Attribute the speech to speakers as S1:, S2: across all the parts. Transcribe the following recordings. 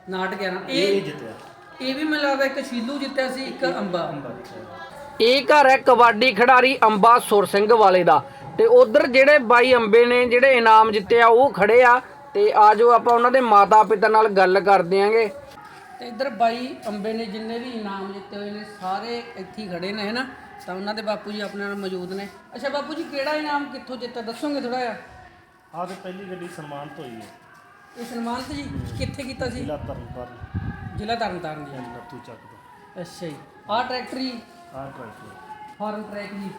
S1: ਨਾਟਕ ਹੈ ਨਾ
S2: ਇਹ ਜਿੱਤਿਆ।
S1: ਇਹ ਵੀ ਮੈਨੂੰ ਲੱਗਦਾ ਇੱਕ ਸ਼ੀਲੂ ਜਿੱਤਿਆ ਸੀ, ਇੱਕ ਅੰਬਾ।
S3: ਇਹ ਘਰ ਹੈ ਕਬੱਡੀ ਖਿਡਾਰੀ ਅੰਬਾ ਸੁਰ ਸਿੰਘ ਵਾਲੇ ਦਾ। ਤੇ ਉਧਰ ਜਿਹੜੇ ਬਾਈ ਅੰਬੇ ਨੇ ਜਿਹੜੇ ਇਨਾਮ ਜਿੱਤੇ ਆ ਉਹ ਖੜੇ ਆ। ਤੇ ਆਜੋ ਆਪਾਂ ਉਹਨਾਂ ਦੇ ਮਾਤਾ ਪਿਤਾ ਨਾਲ ਗੱਲ ਕਰਦੇ ਆਂਗੇ।
S1: ਤੇ ਇੱਧਰ ਬਾਈ ਅੰਬੇ ਨੇ ਜਿੰਨੇ ਵੀ ਇਨਾਮ ਜਿੱਤੇ ਹੋਏ ਨੇ ਸਾਰੇ ਇੱਥੇ ਹੀ ਖੜੇ ਨੇ, ਹੈ ਨਾ। ਤਾਂ ਉਹਨਾਂ ਦੇ ਬਾਪੂ ਜੀ ਆਪਣੇ ਨਾਲ ਮੌਜੂਦ ਨੇ। ਅੱਛਾ ਬਾਪੂ ਜੀ, ਕਿਹੜਾ ਇਨਾਮ ਕਿੱਥੋਂ ਜਿੱਤਿਆ ਦੱਸੋਗੇ ਥੋੜਾ ਜਿਹਾ?
S2: ਆਹ ਤੇ ਪਹਿਲੀ ਗੱਡੀ ਸਨਮਾਨਿਤ ਹੋਈ ਹੈ।
S1: ਇਹ ਸਨਮਾਨਿਤ ਜੀ ਕਿੱਥੇ ਕੀਤਾ ਸੀ?
S2: ਜ਼ਿਲ੍ਹਾ ਤਰਨਤਾਰਨ।
S1: ਜ਼ਿਲ੍ਹਾ ਤਰਨਤਾਰਨ ਜੀ।
S2: ਲੱਤੂ ਚੱਕ ਤੋਂ।
S1: ਅੱਛਾ ਜੀ। ਆਹ ਟਰੈਕਟਰ ਜੀ
S2: ਆਹ ਟਰੈਕਟਰ
S1: ਫਾਰਮ ਟਰੈਕ ਜੀ।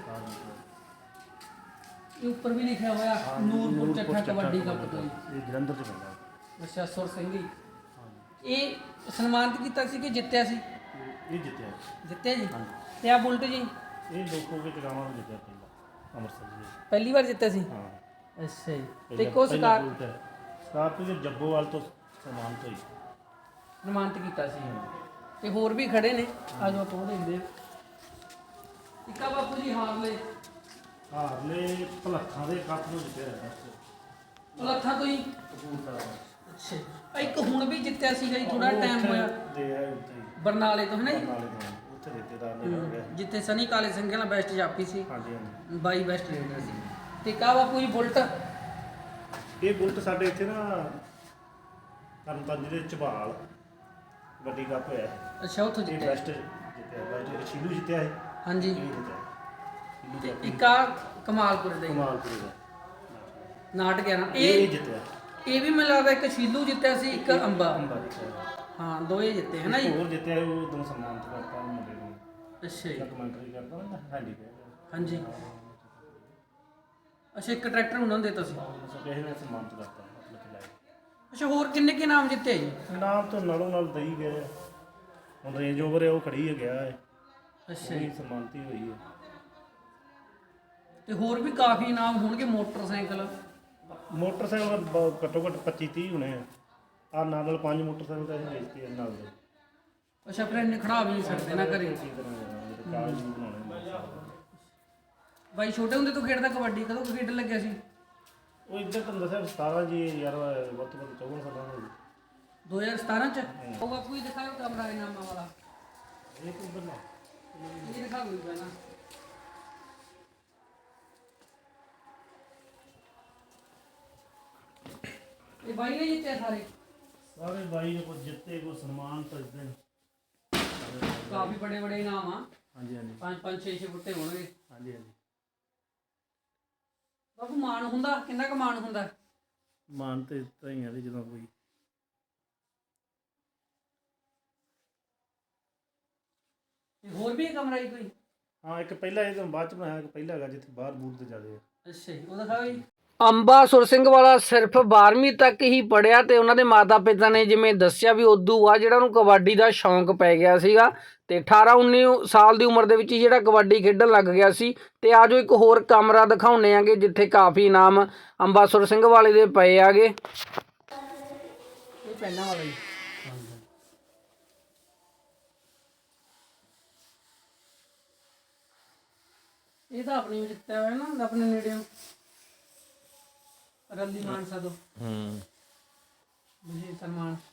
S1: ਇਹ ਉੱਪਰ ਵੀ ਲਿਖਿਆ ਹੋਇਆ ਨੂਰਪੁਰ ਚੱਠਾ ਕਬੱਡੀ ਕੱਪ ਤੋਂ ਜੀ।
S2: ਇਹ ਜਲੰਧਰ ਚ ਪੈਂਦਾ।
S1: ਅੱਛਾ, ਸੁਰ ਸਿੰਘ ਜੀ। ਇਹ ਸਨਮਾਨਿਤ ਕੀਤਾ ਸੀ ਕਿ ਜਿੱਤਿਆ ਸੀ?
S2: ਇਹ ਜਿੱਤਿਆ।
S1: ਜਿੱਤਿਆ ਜੀ। ਤੇ ਆ ਬੁਲਟ ਜੀ?
S2: ਇਹ ਲੋਕੋ ਕੇ ਜਗਾਵਾਂ ਨੂੰ ਜਿੱਤਿਆ ਪਹਿਲਾਂ ਅੰਮ੍ਰਿਤਸਰ ਜੀ।
S1: ਪਹਿਲੀ ਵਾਰ ਜਿੱਤਿਆ ਸੀ?
S2: ਹਾਂ।
S1: ਅੱਛਾ ਜੀ। ਤੇ ਕੋ
S2: ਸਕਾਰਪੀਓ ਦੇ ਜੱਬੋਵਾਲ ਤੋਂ ਸਨਮਾਨਿਤ ਹੋਈ।
S1: ਸਨਮਾਨਿਤ ਕੀਤਾ ਸੀ। ਤੇ ਹੋਰ ਵੀ ਖੜੇ ਨੇ, ਆਜੋ ਆਪਾਂ ਉਹ ਦੇਖਦੇ ਹਾਂ। ਇੱਕਾ ਬਾਪੂ ਜੀ ਹਾਰਲੇ
S2: ਹਾਰਲੇ ਭਲੱਖਾਂ ਦੇ ਕੱਪ ਨੂੰ ਜਿੱਤਿਆ ਹੈ।
S1: ਲੱਥਾਂ ਤੋਂ ਹੀ? ਅੱਛਾ। ਇੱਕ ਹੁਣ ਵੀ ਜਿੱਤਿਆ ਸੀਗਾ ਜੀ, ਥੋੜਾ ਟਾਈਮ ਹੋਇਆ।
S2: ਦੇ ਹੈ ਉੱਥੇ ਹੀ
S1: ਬਰਨਾਲੇ ਤੋਂ, ਹੈ ਨਾ ਜੀ?
S2: ਨਾਲੇ ਤੋਂ ਉੱਥੇ ਰਿਸ਼ਤੇਦਾਰ ਨੇ ਹੋ ਗਿਆ।
S1: ਜਿੱਥੇ ਸਨੀ ਕਾਲੇ ਸਿੰਘ ਨਾਲ ਬੈਸਟ ਜਾਪੀ ਸੀ।
S2: ਹਾਂਜੀ ਹਾਂਜੀ।
S1: ਬਾਈ ਬੈਸਟ ਰੇਡਰ ਸੀ। ਤੇ ਕਾ ਬਾਪੂ ਜੀ ਬੁਲਟ?
S2: ਇਹ ਬੁਲਟ ਸਾਡੇ ਇੱਥੇ ਨਾ ਤਰਨਤਾਰਨ ਦੇ ਝਬਾਲ ਵੱਡੀ ਕੱਪ ਹੋਇਆ ਹੈ।
S1: ਅੱਛਾ, ਉੱਥੋਂ
S2: ਇਹ
S1: ਜਿੱਤਿਆ।
S2: ਬੈਸਟ ਜਿੱਤਿਆ। ਬੈਸਟ ਸ਼ੀਲੂ ਜਿੱਤਿਆ ਹੈ।
S1: ਹਾਂਜੀ।
S2: ਇਹ ਜਿੱਤਿਆ
S1: ਤੇ ਇੱਕ ਆ ਕਮਾਲਪੁਰ ਦਾ ਜੀ।
S2: ਕਮਾਲਪੁਰ ਦਾ
S1: ਨਾਟਕ ਹੈ ਨਾ
S2: ਇਹ ਜਿੱਤਿਆ।
S1: ਇਹ ਵੀ ਮੈਨੂੰ ਲੱਗਦਾ ਇੱਕ ਸ਼ੀਲੂ ਜਿੱਤਿਆ ਸੀ, ਇੱਕ ਅੰਬਾ।
S2: ਅੰਬਾ ਜਿੱਤਿਆ।
S1: ਹਾਂ, ਦੋਏ ਜਿੱਤੇ, ਹੈ ਨਾ ਜੀ?
S2: ਹੋਰ ਜਿੱਤਿਆ ਉਹ ਦੋ ਸਨਮਾਨਿਤ ਕਰਤਾ ਮੁੰਡੇ ਨੂੰ।
S1: ਅੱਛਾ ਜੀ।
S2: ਕਮੈਂਟਰੀ ਕਰਦਾ ਨਾ ਹਾਂਜੀ।
S1: ਹਾਂਜੀ। ਅੱਛਾ, ਇੱਕ ਟਰੈਕਟਰ ਉਹਨਾਂ ਨੂੰ ਦਿੱਤਾ ਸੀ।
S2: ਕਿਸੇ ਨੇ ਸਨਮਾਨਿਤ ਕਰਤਾ ਮਤਲਬ ਲਾਇਆ।
S1: ਅੱਛਾ, ਹੋਰ ਕਿੰਨੇ ਕੀ ਨਾਮ ਜਿੱਤੇ ਜੀ?
S2: ਨਾਮ ਤੋਂ ਨਾਲੋਂ ਨਾਲ ਦਈ ਗਏ ਆ। ਹੁਣ ਰੇਂਜ ਓਵਰ ਹੈ ਉਹ ਖੜੀ ਹੈ ਗਿਆ ਹੈ।
S1: ਅੱਛਾ
S2: ਇਹ
S1: ਜੀ।
S2: ਸਨਮਾਨਿਤ ਹੀ ਹੋਈ ਹੈ।
S1: ਤੇ ਹੋਰ ਵੀ ਕਾਫੀ ਇਨਾਮ ਹੋਣਗੇ। ਮੋਟਰਸਾਈਕਲ
S2: ਮੋਟਰਸਾਈਕਲ ਘੱਟੋ ਘੱਟ 25-30 ਹੋਣੇ ਆ। ਆਹ ਨਾਲ 5 ਮੋਟਰਸਾਈਕਲ ਤਾਂ ਅਸੀਂ ਵੇਚਦੇ ਆ ਨਾਲ ਦੇ।
S1: ਅੱਛਾ, ਫਿਰ ਇੰਨੇ ਖੜਾ ਵੀ ਨਹੀਂ ਸਕਦੇ ਨਾ ਘਰੇ।
S2: ਕਾਗਜ਼ ਵੀ ਬਣਾਉਣੇ।
S1: ਬਾਈ ਛੋਟੇ ਹੁੰਦੇ ਤੋਂ ਖੇਡਦਾ ਕਬੱਡੀ, ਕਦੋਂ ਕੁ ਖੇਡਣ ਲੱਗਿਆ ਸੀ?
S2: ਉਹ ਇੱਧਰ ਤੁਹਾਨੂੰ ਦੱਸਿਆ 17 ਜੀ ਯਾਰ ਵੱਧ ਤੋਂ ਵੱਧ 54 ਸਾਲਾਂ ਦਾ
S1: 2017 ਚ? ਉਹ ਬਾਪੂ ਹੀ ਦਿਖਾਓ ਕਮਰਾ ਇਨਾਮਾਂ ਵਾਲਾ।
S2: ਇਹ ਤੋਂ ਬੰਦਾ
S1: ਇਹ ਦਿਖਾ ਕੋਈ ਪਹਿਲਾਂ। ਇਹ ਬਾਈ ਨੇ ਜਿੱਤਿਆ ਸਾਰੇ?
S2: ਸਾਰੇ ਬਾਈ ਨੇ ਕੋਈ ਜਿੱਤੇ ਕੋਈ ਸਨਮਾਨ ਤਾਂ ਇਦਾਂ
S1: ਕਾਫੀ ਬੜੇ ਬੜੇ ਇਨਾਮ ਆ।
S2: ਹਾਂਜੀ ਹਾਂਜੀ
S1: 5-5 6-6 ਫੁੱਟੇ ਹੋਣਗੇ।
S2: ਹਾਂਜੀ ਹਾਂਜੀ।
S1: ਬਾਪੂ ਮਾਣ ਹੁੰਦਾ? ਕਿੰਨਾ ਕੁ ਮਾਣ ਹੁੰਦਾ?
S2: ਮਾਨ ਤੇ ਤਾਂ ਹੀ ਆ ਵੀ ਜਦੋਂ ਕੋਈ
S1: ਹੋਰ ਵੀ ਕਮਰਾ ਹੀ ਕੋਈ?
S2: ਹਾਂ, ਇੱਕ ਪਹਿਲਾ ਇਹ ਤੋਂ ਬਾਅਦ ਚ ਬਣਾਇਆ। ਇੱਕ ਪਹਿਲਾ ਹੈਗਾ ਜਿੱਥੇ ਬਾਹਰ ਬੂਰ ਤੇ ਜਾਂਦੇ ਆ।
S1: ਅੱਛਾ ਜੀ, ਉਹ ਦਿਖਾਓ ਜੀ।
S3: ਅੰਬਾ ਸੁਰ ਸਿੰਘ ਵਾਲਾ ਸਿਰਫ 12ਵੀਂ ਤੱਕ ਹੀ ਪੜ੍ਹਿਆ ਤੇ ਉਹਨਾਂ ਦੇ ਮਾਤਾ ਪਿਤਾ ਨੇ ਜਿਵੇਂ ਦੱਸਿਆ ਵੀ ਉਦੋਂ ਬਾਅਦ ਜਿਹੜਾ ਉਹਨੂੰ ਕਬੱਡੀ ਦਾ ਸ਼ੌਂਕ ਪੈ ਗਿਆ ਸੀਗਾ ਤੇ 18-19 ਸਾਲ ਦੀ ਉਮਰ ਦੇ ਵਿੱਚ ਹੀ ਜਿਹੜਾ ਕਬੱਡੀ ਖੇਡਣ ਲੱਗ ਗਿਆ ਸੀ। ਤੇ ਆਜੋ ਇੱਕ ਹੋਰ ਕਮਰਾ ਦਿਖਾਉਂਦੇ ਆਂਗੇ ਜਿੱਥੇ ਕਾਫੀ ਇਨਾਮ ਅੰਬਾ ਸੁਰ ਸਿੰਘ ਵਾਲੇ ਦੇ ਪਏ ਆਗੇ।
S1: ਇਹ ਪਹਿਲਾਂ ਵਾਲਾ ਜੀ। ਇਹ ਤਾਂ ਆਪਣੀ ਜਿੱਤਿਆ ਹੋਇਆ ਨਾ, ਆਪਣੇ ਨੇੜੇ ਰੱਲੀ ਮਾਨਸਾ ਤੋਂ। ਵਿਜੇ ਸਨਮਾਨ।